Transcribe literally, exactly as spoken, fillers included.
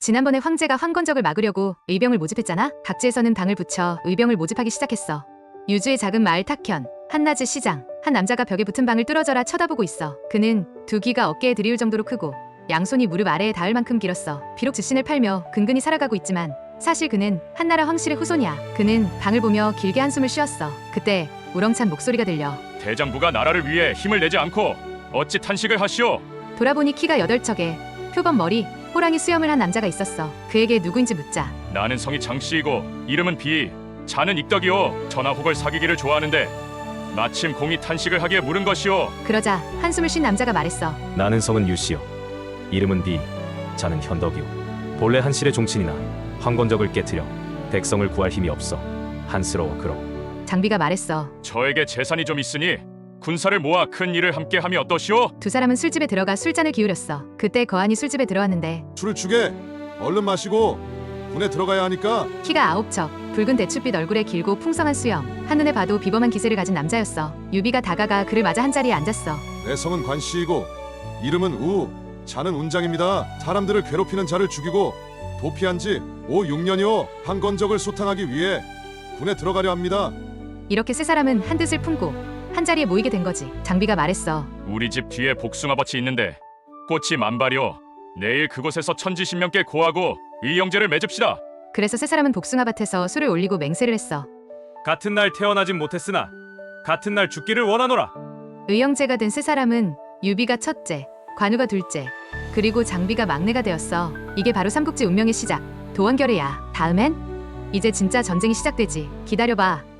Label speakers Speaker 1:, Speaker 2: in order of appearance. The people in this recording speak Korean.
Speaker 1: 지난번에 황제가 황건적을 막으려고 의병을 모집했잖아. 각지에서는 당을 붙여 의병을 모집하기 시작했어. 유주의 작은 마을 탁현, 한낮의 시장, 한 남자가 벽에 붙은 방을 뚫어져라 쳐다보고 있어. 그는 두 귀가 어깨에 들이울 정도로 크고 양손이 무릎 아래에 닿을 만큼 길었어. 비록 즉신을 팔며 근근히 살아가고 있지만 사실 그는 한나라 황실의 후손이야. 그는 방을 보며 길게 한숨을 쉬었어. 그때 우렁찬 목소리가 들려.
Speaker 2: 대장부가 나라를 위해 힘을 내지 않고 어찌 탄식을 하시오?
Speaker 1: 돌아보니 키가 여덟 척에 표범 머리, 호랑이 수염을 한 남자가 있었어. 그에게 누구인지 묻자
Speaker 2: 나는 성이 장씨이고 이름은 비, 자는 익덕이오. 전하 혹을 사귀기를 좋아하는데 마침 공이 탄식을 하기에 물은 것이오.
Speaker 1: 그러자 한숨을 쉰 남자가 말했어.
Speaker 3: 나는 성은 유씨요. 이름은 비, 자는 현덕이요. 본래 한실의 종친이나 황건적을 깨뜨려 백성을 구할 힘이 없어 한스러워 그러.
Speaker 1: 장비가 말했어.
Speaker 2: 저에게 재산이 좀 있으니 군사를 모아 큰 일을 함께함이 어떠시오?
Speaker 1: 두 사람은 술집에 들어가 술잔을 기울였어. 그때 거한이 술집에 들어왔는데
Speaker 4: 술을 주게. 얼른 마시고 군에 들어가야 하니까.
Speaker 1: 키가 아홉 척, 붉은 대추빛 얼굴에 길고 풍성한 수염, 한눈에 봐도 비범한 기세를 가진 남자였어. 유비가 다가가 그를 맞아 한자리에 앉았어.
Speaker 4: 내 성은 관씨이고 이름은 우, 자는 운장입니다. 사람들을 괴롭히는 자를 죽이고 도피한 지 오, 육 년이오. 황건적을 소탕하기 위해 군에 들어가려 합니다.
Speaker 1: 이렇게 세 사람은 한 뜻을 품고 한자리에 모이게 된 거지. 장비가 말했어.
Speaker 2: 우리 집 뒤에 복숭아밭이 있는데 꽃이 만발이오. 내일 그곳에서 천지신명께 고하고 의형제를 맺읍시다.
Speaker 1: 그래서 세 사람은 복숭아밭에서 술을 올리고 맹세를 했어.
Speaker 3: 같은 날 태어나진 못했으나 같은 날 죽기를 원하노라.
Speaker 1: 의형제가 된 세 사람은 유비가 첫째, 관우가 둘째, 그리고 장비가 막내가 되었어. 이게 바로 삼국지 운명의 시작, 도원결의야. 다음엔 이제 진짜 전쟁이 시작되지. 기다려봐.